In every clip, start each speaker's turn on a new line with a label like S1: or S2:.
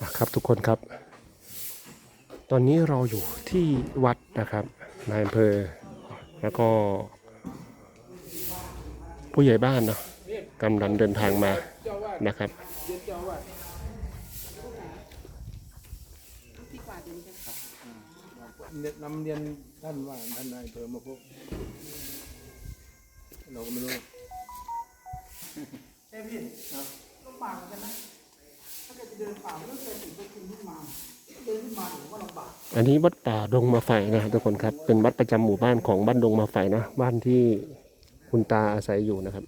S1: ครับทุกคนครับตอนนี้เราอยู่ที่วัดนะครับนายอำเภอแล้วก็ผู้ใหญ่บ้านเนาะกำลังเดินทางมานะครับ
S2: นำเรียนท่านว่าท่านนายอำเภอมาพบเราก็ไม่รู้
S3: ใช่พี่ลำบากเหมือนกันนะถ้าเกิดจะเดินป่าไม่ต้องเคยถึงไปขึ้นขึ้นมาเดินขึ้นมาผมว่าลำบาก
S1: อันนี้วัดป่าดงมาไฟนะครับทุกคนครับเป็นวัดประจำหมู่บ้านของบ้านดงมาไฟนะบ้านที่คุณตาอาศัยอยู่นะครับ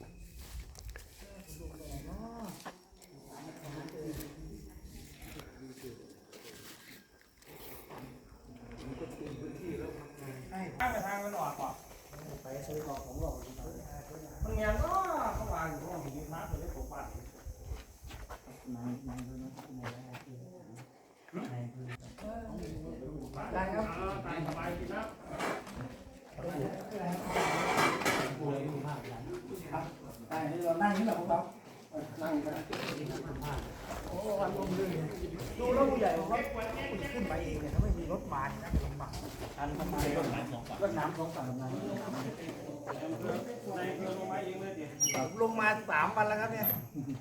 S3: ทางมันออกก่อนไปซื้อของของหลอกมันเงี้ยก็เขาวางอยู่ตรงหินน้ำเลยผมปัดได้ครับตายสบายดีครับได้เรานั่งนี่แหละพวกเรานั่งกันโอ้วันลมเลยดูแล้วผู้ใหญ่เขาขึ้นไปเองเนี่ยเขาไม่มีรถมาเนี่ยลำบากอันมันมารถน้ำสองฝั่งลงมา3 วันแล้วครับเนี่ย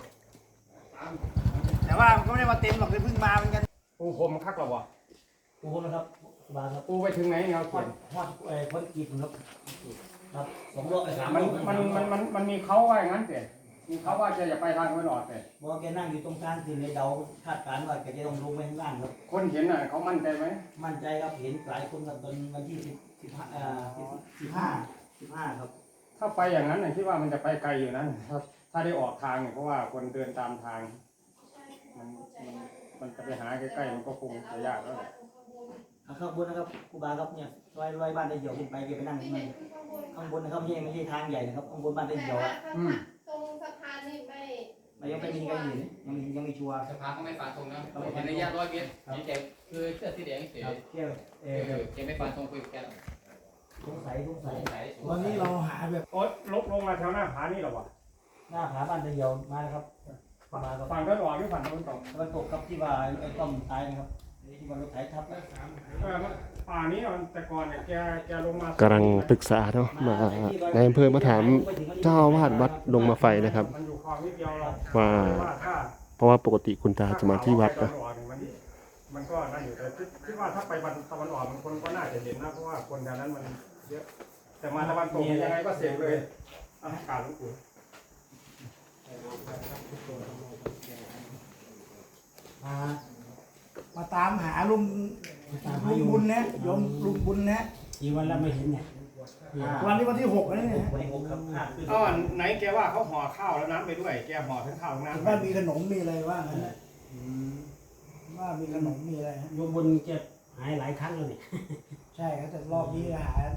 S3: แต่ว่าก็ไม่ได้มาเต็มหรอกเลยเพิ่งมาเหมือนกันปูคมคักหรอวะปูนะครับบาครับปูไปถึงไหนเงาเขียนฮอดพ้นกีบครับ2 โล 3 โลมันมีเขาว่าอย่างนั้นเสียมีเขาว่าจะอย่าไปทางตะวันออกเสียบอกแกนั่งอยู่ตรงกลางคือในเดาคาดการณ์ว่าแกจะต้องลงไปข้างล่างครับคนเห็นน่ะเขามั่นใจไหมมั่นใจครับเห็นหลายคนครับตอนวันที่15ครับถ้าไปอย่างนั้นคิดว่ามันจะไปไกลอยู่นะถ้าได้ออกทางเนี่ยเพราะว่าคนเดินตามทางมันจะไปหาใกล้ๆมันก็คงจะยากแล้วข้างบนนะครับครูบาครับเนี่ยลอยบ้านได้เหี่ยวขึ้นไปไปนั่งข้างบนนะครับไม่ใช่ทางใหญ่นะครับข้างบนบ้านได้เหี่ยว
S4: ตรงสะพานนี่
S3: ยังไม่มีใครเห็นยังไม่ชัวร์
S5: สะพานก็ไม่ฟันตรงนะเห็นระยะ100 เมตรเห็นแต่คือเสื้อสีแดงเฉยแกไม่ฟันตรงคุยกับแก
S3: สงสัยวันนี้เราหาแบบ
S2: โอ๊ยลงมาแถวหน้าผานี่หรอวะ
S3: หน้าผาบ้านได้เหี่ยวมาแล้วครับ
S2: ฝั่งตะวันออกหรือฝั่งตะวันตก
S3: ครับที่ว่าไอ้ต้อมตายนะครับที่ว่ารถไถทับแล้ว
S2: ป่านี้แต่ก่อนเนี่ยแกลงมาก
S1: ำลังปรึกษาเนาะมาในอำเภอมาถามเจ้าอาวาสวัดดงมาไฟนะครับว่าเพราะว่าปกติคุณตาจะมาที่วัดนะ
S2: มันก็นั่นอยู่แต่คิดว่าถ้าไปตะวันออกมันคนก็น่าจะเห็นนะเพราะว่าคนแถวนั้นมันเยอะแต่มาตะวันตกยังไงก็เสียเลยอากาศหลวงปู่
S3: มาตามหาลุงบุญนะโยมลุงบุญนะ
S5: กี่วันแล้วไม่เห็นเนี่ย
S3: วันนี้วันที่6แล้วเนี่ย
S2: ไหนแกว่าเขาห่อข้าวแล้วน้ำไปด้วยแกห่อทั้งข้าวทั้งน้ำ
S3: ว่ามีขนมมีอะไรว่างั้นว่ามีขนมมีอะไร
S5: โยมบุญเจ็บหายหลายครั้งแล้วนี่
S3: ใช่ครับแต่รอบนี้หา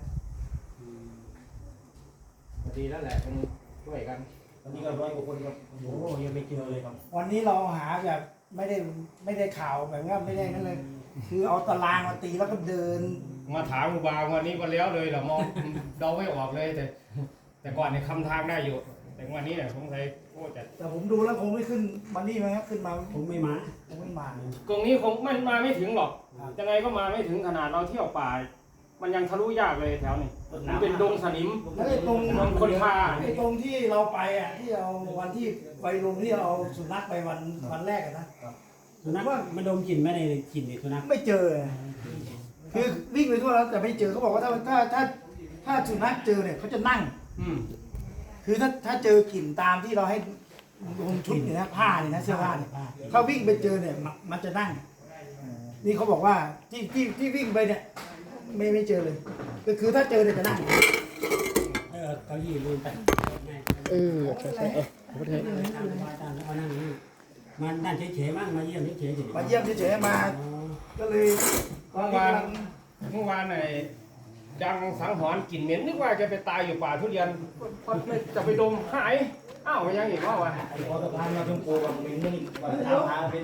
S5: ดีแล้วแหละต้องช่วยกัน
S3: วันนี้ก็100 กว่าคนครับ
S5: โอ้ยังไม่เจอเลยครับ
S3: วันนี้เราหาแบบไม่ได้ข่าวแบบว่าไม่ได้นั่นเลยคือเอาตารางมาตีแล้วก็เดิน
S2: มาถามครูบาวันนี้ก็แล้วเลยเหรอมองเดาไม่ออกเลยแต่ก่อนเนี่ยคำทางได้อยู่แต่วันนี้เนี่ยผมใช้โอ้
S3: แต่ผมดูแล้วคงไม่ขึ้นวันนี้ไหมครับขึ้นมา
S5: ผมไม่มา
S2: ตรงนี้คงมาไม่ถึงหรอกยังไงก็มาไม่ถึงขนาดเราเที่ยวป่ามันยังทะลุยากเลยแถวนี้มันเป็นดงสนิม
S3: ตรง
S2: คนพา
S3: ตรงที่เราไปอ่ะที่เราวันที่ไปลงที่เราสุนัขไปวันแรกนะ
S5: สุนัขว่ามันดมกลิ่นไม่ได้กลิ่นสุนัข
S3: ไม่เจอคือวิ่งไปทั่วแล้วแต่ไม่เจอเขาบอกว่าถ้าสุนัขเจอเนี่ยเขาจะนั่งคือถ้าเจอกลิ่นตามที่เราให้ลงชุดเนี่ยนะผ้าเนี่ยนะเสื้อผ้าเนี่ยถ้าวิ่งไปเจอเนี่ยมันจะนั่งนี่เขาบอกว่าที่วิ่งไปเนี่ยไม่เจอเลยก็คือถ้าเจอเนี่ยจะนั่ง
S5: เขายืนลืมไป
S1: ใช่
S5: ไม่ได้เอานั่งนี่มันนั่นเฉยๆมั่งมาเยี่ยมเฉย
S3: ๆมาเยี่ยมเฉยๆมาก็เลย
S2: เมื่อวานไหนดังสังหรณ์กลิ่นเหม็นนึกว่าจะไปตายอยู่ป่าทุเรียนพอจะไปดมหายอ้าวยังอีกว่าวะ
S3: พอสะพานมาชมพูกับเหม็นนี่ตามหาเป็น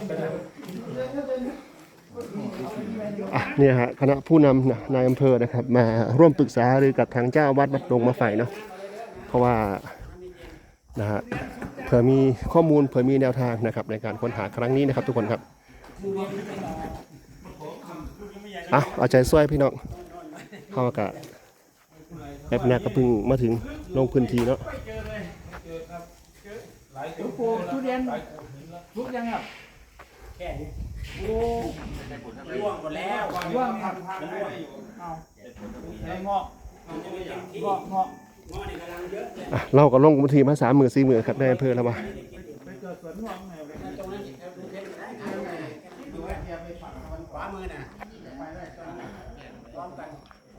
S1: เนี่ยฮะคณะผู้นำนายอำเภอนะครับมาร่วมปรึกษาหรือกับทางเจ้าวัดดงมาไฟเนาะเพราะว่านะฮะเผื่อมีข้อมูลเผื่อมีแนวทางนะครับในการค้นหาครั้งนี้นะครับทุกคนครับเอาใจช่วยพี่น้องเข้ากะแบบนี้ก็เพิ่งมาถึงลงพื้นที่เนาะ
S3: ปลูกทุเรียนลุกยังครับแค่นี้โอ้ร่วงหมดแล้วร่วงครับเอาไอ้เงาะเงาะนี่กำลังเยอะเลย
S1: เราก็ลงพื้นที่มา3 มื้อ 4 มื้อครับในอำเภอแล้วมา
S3: ไปเกิดสวนม่วงไหนเลยตรงนั้นขวามือน่ะไปได้พร้อมกัน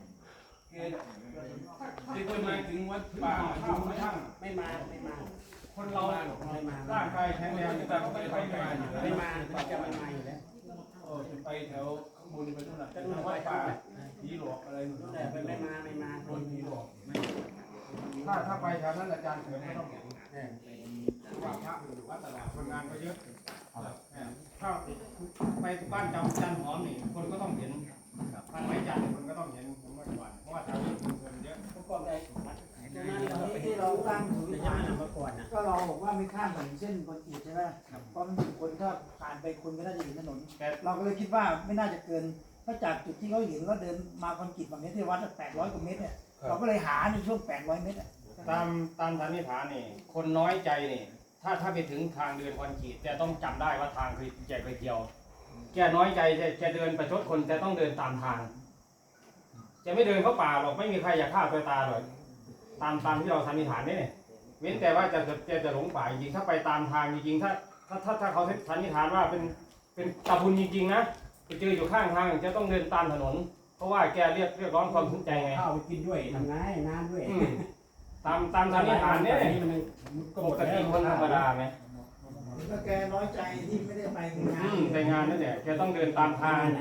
S2: ที่คนมาถึงวัดป่าข้าวช่าง
S3: ไม่มา
S2: คนเราร่างกายแข็งแรงแต่ไม่ไปงานอยู่
S3: ไม่มาจะไม่มาอยู่แล้ว
S2: ไปแถวข้างบนไปนู่นน่ะวัดป่าผีหลอกอะไรนู่น
S3: แต่ไม่มา
S2: โดนผีหลอกถ้าไปแถวนั้นอาจารย์เถิดไม่ต้องเห็นว่าพระวัดตลาดคนงานก็เยอะถ้าไปบ้านจันหอมนี่คนก็ต้องเห็นบ้านไม้จันคนก็ต้องเห็นผมว่าก่อนเพราะว่าแถวนี้คนเยอะ
S3: ก็ได้ที่เราตั้งศูนย์ฐานมาก่อนนะก็เราบอกว่าไม่ข้ามถนนเส้นคอนกรีตใช่ไหมเพราะมันมีคนถ้าผ่านไปคนก็น่าจะเห็นถนนเราก็เลยคิดว่าไม่น่าจะเกินถ้าจากจุดที่เขาเห็นว่าเดินมาคอนกรีตแบบนี้ที่วัด800 กว่าเมตรเนี่ยเราก็เลยหาในช่วง800 เมตร
S2: ตามสันนิษฐานนี่คนน้อยใจนี่ถ้าไปถึงทางเดินคอนกรีตแกต้องจำได้ว่าทางคือแกเคยเที่ยวแกน้อยใจแกเดินประชดคนแกต้องเดินตามทางแกไม่เดินเข้าป่าหรอกไม่มีใครอยากฆ่าตัวตายหรอกตามที่เราสันนิษฐานนี่เว้นแต่ว่าจะหลงป่าจริงถ้าไปตามทางจริงถ้าเขาสันนิษฐานว่าเป็นตาบุญจริงๆนะไปเจออยู่ข้างทางจะต้องเดินตามถนนเพราะว่าแกเรียกร้องความสนใจไง
S3: ข้าวไปกินด้วยทำไงน้ำด้วย
S2: ตามสันนิษฐานเนี่ยปกติคนธรรมดาไหม
S3: ก็แกน้อยใจที่ไม่ได้ไปงาน
S2: ไปงานนั่นแหละแกต้องเดินตามทาง
S3: ไหน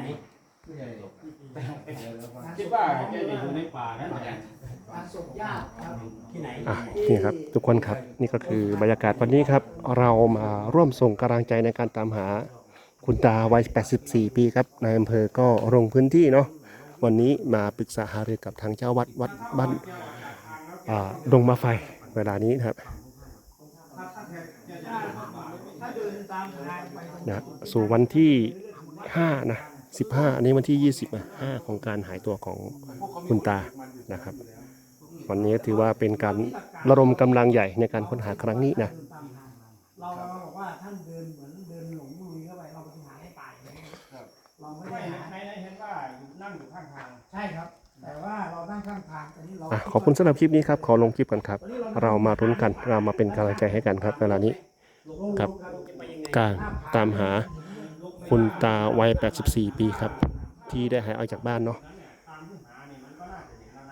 S2: คิดว่าแกจะอยู่ในป่านั่นแหละ
S3: งานศพญาติครับที่ไหน
S1: นี่ครับทุกคนครับนี่ก็คือบรรยากาศวันนี้ครับเรามาร่วมส่งกำลังใจในการตามหาคุณตาวัย84 ปีครับนายอำเภอก็ลงพื้นที่เนาะวันนี้มาปรึกษาหารือกับทางเจ้าวัดบ้านดงมาไฟเวลานี้นะครับ
S3: ถ้าเดินตามทางไป
S1: นะสู่วันที่5นะ15อันนี้วันที่20นะ5ของการหายตัวของคุณตานะครับ วันนี้ถือว่าเป็นการระดมกำลังใหญ่ในการค้นหาครั้งนี้นะ
S3: เราบอกว่าท่านเดินเหมือนเดินหลงลุยเข้าไปเราไปหาให้ตายเราไม่ได้หา
S2: ในเห็นว่านั่งอยู่ข้างทาง
S3: ใช่ครับ แต่ว่าเรานั่งข้างทางแต่นี่เรา
S1: ขอบคุณสำหรับคลิปนี้ครับขอลงคลิปกันครับ เรามารุ้นกันเรามาเป็นกำลังใจให้กันครับเวลานี้กับการตามหาคุณตาวัย84 ปีครับที่ได้หายออกจากบ้านเนาะ